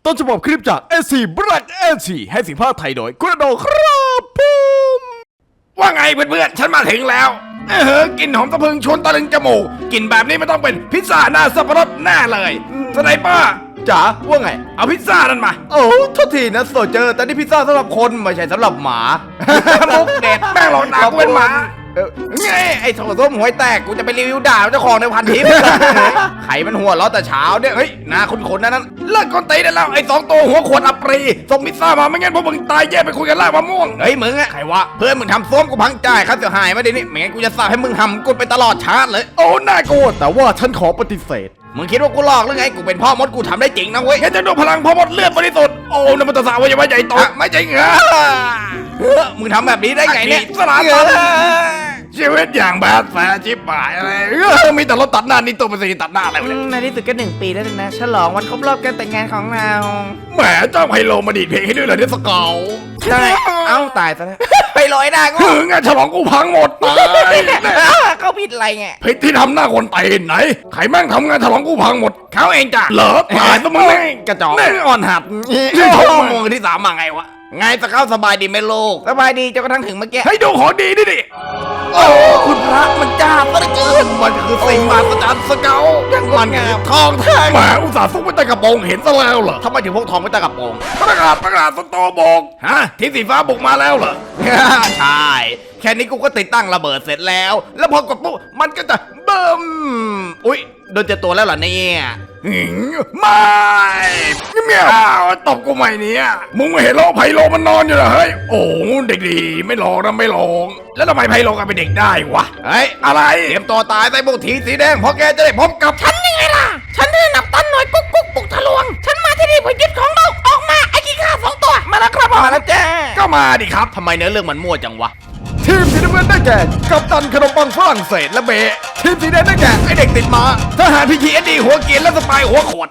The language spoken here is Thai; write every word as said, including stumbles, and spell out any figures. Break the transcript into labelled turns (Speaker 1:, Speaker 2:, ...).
Speaker 1: ต้นฉบับคลิปจาก เอ ซี Black เอ ซี ให้เสียงภาคไทยโดยคุณอโดครับผมว่าไงเพื่อนๆฉันมาถึงแล้วเออกลิ่นหอมสะพรึงชวนตะลึงจมูกกลิ่นแบบนี้ไม่ต้องเป็นพิซซ่าหน้าสับปะรดแน่เลยสไนเปอร์จ๋าว่าไงเอาพิซซ่านั่นมาโอ้โทษทีนะโซเจอร์แต่นี่พิซซ่าสำหรับคนไม่ใช่สำหรับหมามุกเด็ดแม่งหลอกด่ากูเป็นหมาเออไงไอ้โถส้มหวยแตกกูจะไปรีวิวด่าเจ้าของในพันทิปไข่มันหัวล้อแต่เช้าเนี่ยเฮ้ยหน้าคุ้นๆนะนั้นเลิกก้นตีได้แล้วไอ้สองตัวหัวขวดอัปรีส่งพิซซ่ามาไม่งั้นพวกมึงตายแย่ไปคุยกันล่ามะม่วงเฮ้ยมึงอะใครวะเพื่อนมึงทำส้มกูพังจ่ายค่าเสียหายมาดินี่ไม่งั้นกูจะสาบให้มึงหำกูไปตลอดชาติเลยโอ้น่ากลัวแต่ว่าฉันขอปฏิเสธมึงคิดว่ากูหลอกหรือไงกูเป็นพ่อมดกูทำได้จริงนะเว้ยแค่จะดูพลังพ่อมดเลือดบริสุทธิ์โอ้นมันตะสาวยังไม่ใหญ่โตไม่จริงเหรอมึงทำแบบนี้ได้ไงเนี่ยสลาตันชีวิตอย่างแบดแฟชิบหายอะไรมีแต่รถตัดหน้านี่ตัวเป็นสีตัดหน้าอะไรวะเนี่ย
Speaker 2: ในที่สุดก็หนึ่งปีแล้วนะฉลองวันครบรอบการแต่งงานของเรา
Speaker 1: แหมเจ้าไฮโลมาดีดเพลงให้ด้วยเหรอเนี่ยสเกล
Speaker 2: ใช่เอ้าตายซะแล้วไปลอยหน้ากู
Speaker 1: ถึงอะฉลองกูพังหมดตาย
Speaker 2: เขาผิดอะไรไง
Speaker 1: ผิดที่ทำหน้าคนตีนไหนใครแม่งทำงานฉลองกูพังหมดเขาเองจ้ะเหรอตายซะมึงแม่ง
Speaker 2: กระจอก
Speaker 1: แม่งอ่อนหัดที่ชมมือที่สามมาไงวะไงสเกลสบายดีไหมลูก
Speaker 2: สบายดีจนกระทั่งถึงเมื่อกี้
Speaker 1: ให้ดูของดีดิดิโอ้คุณพระมันจ้าซะเหลือเกินมันคือสิ่งมหัศจรรย์สเกลมันคือทองแท่งแหมอุตส่าห์ซุกไว้ใต้กระโปรงเห็นซะแล้วเหรอทำไมถึงพกทองไว้ใต้กระโปรงประกาศประกาศสตอบอกฮะทีมสีฟ้าบุกมาแล้วเหรอ ใช่แค่นี้กูก็ติดตั้งระเบิดเสร็จแล้ว แล้วพอกดปุ๊บมันก็จะเบิ่มอุ๊ยโดนเจอตัวแล้วเหรอเนี่ยหืมไม่เมียวตบกูใหม่เนี่ยมึงไม่เห็นโลกไพโลมันนอนอยู่เหรอเฮ้ยโอ้เด็กดีไม่หลอกนะไม่หลอกแล้วทำไมไพโลกันเป็นเด็กได้วะเฮ้ยอะไรเตรียมตัวตายใส่บุกทีสีแดงเพราะแกจะได้พบกับฉันยังไงล่ะ
Speaker 2: ฉันคือนับตันหน่วยกุ๊กกุ๊กปุกทะลวง ฉันมาที่นี่เพื่อยึดของเราออกมาไอ้ขี้ข้าสองตัวมาแล้วครับมาแล้วจ้า
Speaker 1: ก็มาดิครับทำไมเนื้อเรื่องมันมั่วจังวะทีมสีน้ำเงินได้แก่กัปตันขนมปังฝรั่งเศสและเบะทีมสีแดงได้แก่ไอเด็กติดมาทหารพีทีเอสดีหัวเกรียนและสปายหัวขวด